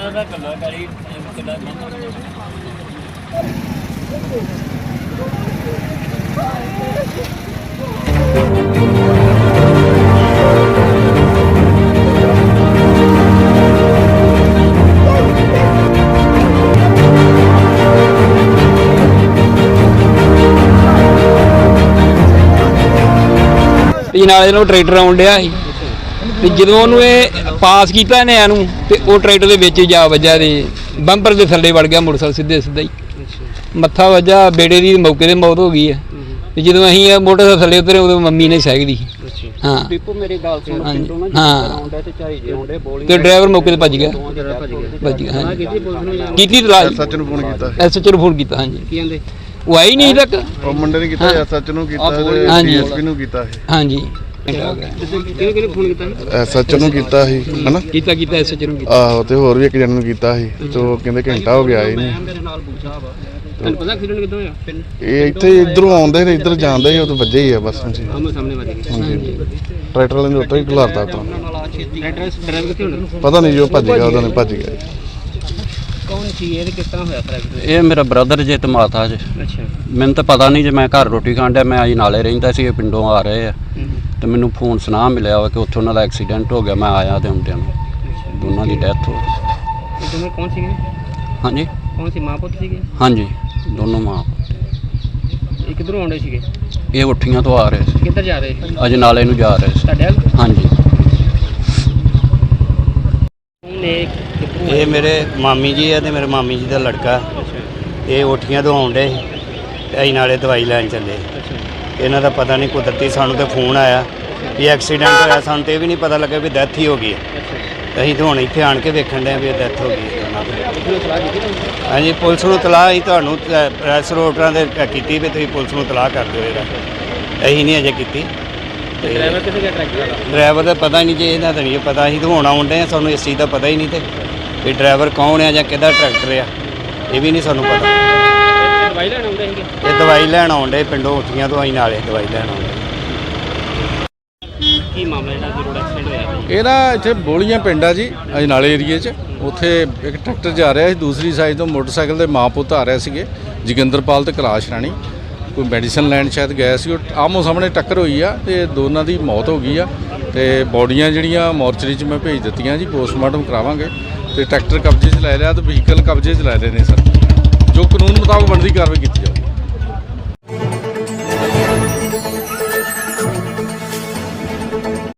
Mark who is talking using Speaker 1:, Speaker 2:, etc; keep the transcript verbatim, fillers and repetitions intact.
Speaker 1: नाले ਨੂੰ ट्रैक्टर आउण ਡਿਆ ਸੀ ਤੇ ਜਦੋਂ ਉਹਨੂੰ ਇਹ ਪਾਸ ਕੀਤਾ ਨੇ ਇਹਨੂੰ ਤੇ ਉਹ ਟਰੈਕਟਰ ਦੇ ਵਿੱਚ ਜਾ ਵੱਜਾ ਤੇ ਬੰਪਰ ਦੇ ਥੱਲੇ ਵੜ ਗਿਆ ਮੋਟਰਸਾਈਕਲ ਸਿੱਧੇ ਸਿੱਧਾ ਹੀ ਮੱਥਾ ਵੱਜਾ ਬੇੜੇ ਦੀ ਮੌਕੇ ਤੇ ਮੌਤ ਹੋ ਗਈ ਹੈ ਤੇ ਜਦੋਂ ਅਸੀਂ ਇਹ ਮੋਟਰਸਾਈਕਲ ਥੱਲੇ ਉਤਰੇ ਉਦੋਂ ਮੰਮੀ ਨੇ ਸਹਿਕਦੀ ਸੀ ਹਾਂ
Speaker 2: ਦੀਪੂ ਮੇਰੀ ਗੱਲ ਸੁਣ ਪਿੰਡੋਂ ਨਾ ਆਉਂਦਾ ਤੇ ਝਾਈ ਜੇ ਆਉਂਦੇ ਬੋਲਿੰਗ
Speaker 1: ਤੇ ਡਰਾਈਵਰ ਮੌਕੇ ਤੇ ਭੱਜ ਗਿਆ ਭੱਜ ਗਿਆ ਹਾਂ ਕੀਤੀ ਤਲਾਸ਼
Speaker 3: ਸੱਚ ਨੂੰ ਫੋਨ ਕੀਤਾ
Speaker 1: ਐਸਐਚ ਨੂੰ ਫੋਨ ਕੀਤਾ ਹਾਂਜੀ
Speaker 2: ਕੀ ਕਹਿੰਦੇ
Speaker 1: ਉਹ ਆਈ ਨਹੀਂ ਤੱਕ
Speaker 3: ਉਹ ਮੁੰਡੇ ਨੇ ਕੀਤਾ ਸੱਚ ਨੂੰ ਕੀਤਾ ਤੇ ਡੀਐਸਪੀ ਨੂੰ ਕੀਤਾ
Speaker 1: ਹਾਂਜੀ
Speaker 2: ਕਿਹਨੇ ਕਿਹਨੇ ਫੋਨ ਕੀਤਾ
Speaker 3: ਸੱਚ ਨੂੰ ਕੀਤਾ ਸੀ ਹਨਾ
Speaker 1: ਕੀਤਾ ਕੀਤਾ ਐਸਐਚ ਨੂੰ ਕੀਤਾ
Speaker 3: ਆਹੋ ਤੇ ਹੋਰ ਵੀ ਇੱਕ ਜਣ ਨੂੰ ਕੀਤਾ ਸੀ ਤੇ ਉਹ ਕਹਿੰਦੇ ਘੰਟਾ ਹੋ ਗਿਆ ਇਹ ਨਹੀਂ
Speaker 2: ਮੇਰੇ ਨਾਲ ਪੁੱਛਾ ਵਾ ਤੁਹਾਨੂੰ ਪਤਾ ਐਕਸੀਡੈਂਟ ਕਿੱਦਾਂ ਹੋਇਆ
Speaker 3: ਇਹ ਇੱਥੇ ਇਧਰੋਂ ਆਉਂਦੇ ਨੇ ਇੱਧਰ ਜਾਂਦੇ ਸੀ ਉਹ ਤਾਂ ਵੱਜੇ ਹੀ ਆ ਬਸ ਹਾਂਜੀ
Speaker 2: ਆਮੋ ਸਾਹਮਣੇ ਵੱਜ ਗਏ
Speaker 3: ਟਰੈਕਟਰ ਵਾਲੇ ਨੇ ਉੱਤੋਂ ਹੀ ਖਿਲਾਰਤਾ ਤਾਂ
Speaker 2: ਡਰਾਈਵਰ ਕਿੱਥੇ ਹੋਣਾ
Speaker 3: ਪਤਾ ਨਹੀਂ ਜੋ ਭੱਜ ਗਿਆ ਉਹਦਾ ਨੇ ਭੱਜ ਗਿਆ
Speaker 2: ਕੌਣ ਸੀ ਇਹ ਕਿਸ ਤਰ੍ਹਾਂ ਹੋਇਆ ਐਕਸੀਡੈਂਟ
Speaker 4: ਇਹ ਮੇਰਾ ਬ੍ਰਦਰ ਜੇ ਤੇ ਮਾਤਾ ਜੇ
Speaker 2: ਅੱਛਾ
Speaker 4: ਮੈਨੂੰ ਤਾਂ ਪਤਾ ਨਹੀਂ ਜੇ ਮੈਂ ਘਰ ਰੋਟੀ ਖਾਣ ਡਿਆ ਮੈਂ ਅੱਜ ਨਾਲੇ ਰਹਿੰਦਾ ਸੀ ਇਹ ਪਿੰਡੋਂ ਆ ਰਹੇ ਆ ਤੇ ਮੈਨੂੰ ਫੋਨ ਸੁਣਾ ਮਿਲਿਆ ਵਾ ਕਿ ਉੱਥੇ ਉਹਨਾਂ ਦਾ ਐਕਸੀਡੈਂਟ ਹੋ ਗਿਆ ਮੈਂ ਆਇਆ ਤੇ ਹੁੰਦਿਆਂ ਨੂੰ ਦੋਨਾਂ ਦੀ ਡੈਥ ਹੋ ਗਈ
Speaker 2: ਇਹ ਦੋਨੋਂ ਕੌਣ ਸੀਗੇ
Speaker 4: ਹਾਂਜੀ
Speaker 2: ਕੌਣ ਸੀ ਮਾਂ ਪੁੱਤ ਸੀਗੇ
Speaker 4: ਹਾਂਜੀ ਦੋਨੋਂ ਮਾਂ
Speaker 2: ਇਹ ਕਿੱਧਰੋਂ ਆਉਂਦੇ ਸੀਗੇ
Speaker 4: ਇਹ ਉੱਠੀਆਂ ਤੋਂ ਆ ਰਹੇ ਸੀ
Speaker 2: ਕਿੱਧਰ ਜਾ ਰਹੇ ਸੀ
Speaker 4: ਅੱਜ ਨਾਲੇ ਨੂੰ ਜਾ ਰਹੇ ਸੀ
Speaker 2: ਤੁਹਾਡੇ ਵੱਲ
Speaker 4: ਹਾਂਜੀ
Speaker 2: ਨੇ
Speaker 5: ਇਹ ਮੇਰੇ ਮਾਮੀ ਜੀ ਹੈ ਤੇ ਮੇਰੇ ਮਾਮੀ ਜੀ ਦਾ ਲੜਕਾ ਇਹ ਉੱਠੀਆਂ ਤੋਂ ਆਉਂਦੇ ਤੇ ਅਸੀਂ ਨਾਲੇ ਦਵਾਈ ਲੈਣ ਚੱਲੇ ਇਹਨਾਂ ਦਾ ਪਤਾ ਨਹੀਂ ਕੁਦਰਤੀ ਸਾਨੂੰ ਤੇ ਫੋਨ ਆਇਆ ਵੀ ਐਕਸੀਡੈਂਟ ਹੋਇਆ ਸਾਨੂੰ ਤੇ ਇਹ ਵੀ ਨਹੀਂ ਪਤਾ ਲੱਗਾ ਵੀ ਡੈਥ ਹੀ ਹੋ ਗਈ ਅਸੀਂ ਤਾਂ ਹੁਣ ਇੱਥੇ ਆਣ ਕੇ ਵੇਖਣ ਡਏ ਵੀ ਡੈਥ ਹੋ ਗਈ ਹਾਂਜੀ ਪੁਲਿਸ ਨੂੰ ਤਲਾਹ ਅਸੀਂ ਤੁਹਾਨੂੰ ਪ੍ਰੈਸ ਰੋਡਰਾਂ ਦੇ ਕੀਤੀ ਵੀ ਤੁਸੀਂ ਪੁਲਿਸ ਨੂੰ ਤਲਾਹ ਕਰ ਦਿਓ ਇਹਦਾ ਅਸੀਂ ਨਹੀਂ ਅਜੇ ਕੀਤੀ
Speaker 2: ਡਰਾਈਵਰ ਕਿੱਥੇ ਗਿਆ ਟਰੈਕਟਰ ਵਾਲਾ
Speaker 5: ਡਰਾਈਵਰ ਦਾ ਪਤਾ ਨਹੀਂ ਜੇ ਇਹਦਾ ਤਾਂ ਨਹੀਂ ਪਤਾ ਅਸੀਂ ਤਾਂ ਹੁਣ ਆਉਂਦੇ ਹਾਂ ਸਾਨੂੰ ਇਸ ਚੀਜ਼ ਦਾ ਪਤਾ ਹੀ ਨਹੀਂ ਤੇ ਵੀ ਡਰਾਈਵਰ ਕੌਣ ਆ ਜਾਂ ਕਿਹਦਾ ਟਰੈਕਟਰ ਆ ਇਹ ਵੀ ਨਹੀਂ ਸਾਨੂੰ ਪਤਾ
Speaker 2: ਦਵਾਈ ਲੈਣ ਆਉਂਦੇ ਸੀਗੇ
Speaker 5: ਇਹ ਦਵਾਈ ਲੈਣ ਆਉਂਦੇ ਪਿੰਡੋਂ ਉੱਠੀਆਂ ਤੋਂ ਅਸੀਂ ਨਾਲੇ ਦਵਾਈ ਲੈਣ ਆਉਂਦੇ
Speaker 2: ਕੀ ਮਾਮਲਾ ਜਿਹੜਾ ਕਿ ਰੋਡ ਐਕਸੀਡੈਂਟ ਹੋਇਆ
Speaker 6: ਇਹ ਨਾ ਇੱਥੇ ਬੋਲੀਆਂ ਪਿੰਡ ਆ ਜੀ ਅਜਨਾਲੇ ਏਰੀਏ 'ਚ ਉੱਥੇ ਇੱਕ ਟਰੈਕਟਰ ਜਾ ਰਿਹਾ ਸੀ ਦੂਸਰੀ ਸਾਈਡ ਤੋਂ ਮੋਟਰਸਾਈਕਲ ਦੇ ਮਾਂ ਪੁੱਤ ਆ ਰਹੇ ਸੀਗੇ ਜੋਗਿੰਦਰਪਾਲ ਤੇ ਕੈਲਾਸ਼ ਰਾਣੀ ਕੋਈ ਮੈਡੀਸਨ ਲੈਣ ਸ਼ਾਇਦ ਗਏ ਸੀ ਉਹ ਆਮੋ ਸਾਹਮਣੇ ਟੱਕਰ ਹੋਈ ਆ ਤੇ ਦੋਨਾਂ ਦੀ ਮੌਤ ਹੋ ਗਈ ਆ ਤੇ ਬੋਡੀਆਂ ਜਿਹੜੀਆਂ ਮੋਰਚਰੀ 'ਚ ਮੈਂ ਭੇਜ ਦਿੱਤੀਆਂ ਜੀ ਪੋਸਟਮਾਰਟਮ ਕਰਾਵਾਂਗੇ ਤੇ ਟਰੈਕਟਰ ਕਬਜ਼ੇ 'ਚ ਲੈ ਲਿਆ ਤੇ ਵਹੀਕਲ ਕਬਜ਼ੇ 'ਚ ਲੈ ਲਏ ਨੇ ਸਰ ਜੋ ਕਾਨੂੰਨ ਮੁਤਾਬਕ ਬਣਦੀ ਕਾਰਵਾਈ ਕੀਤੀ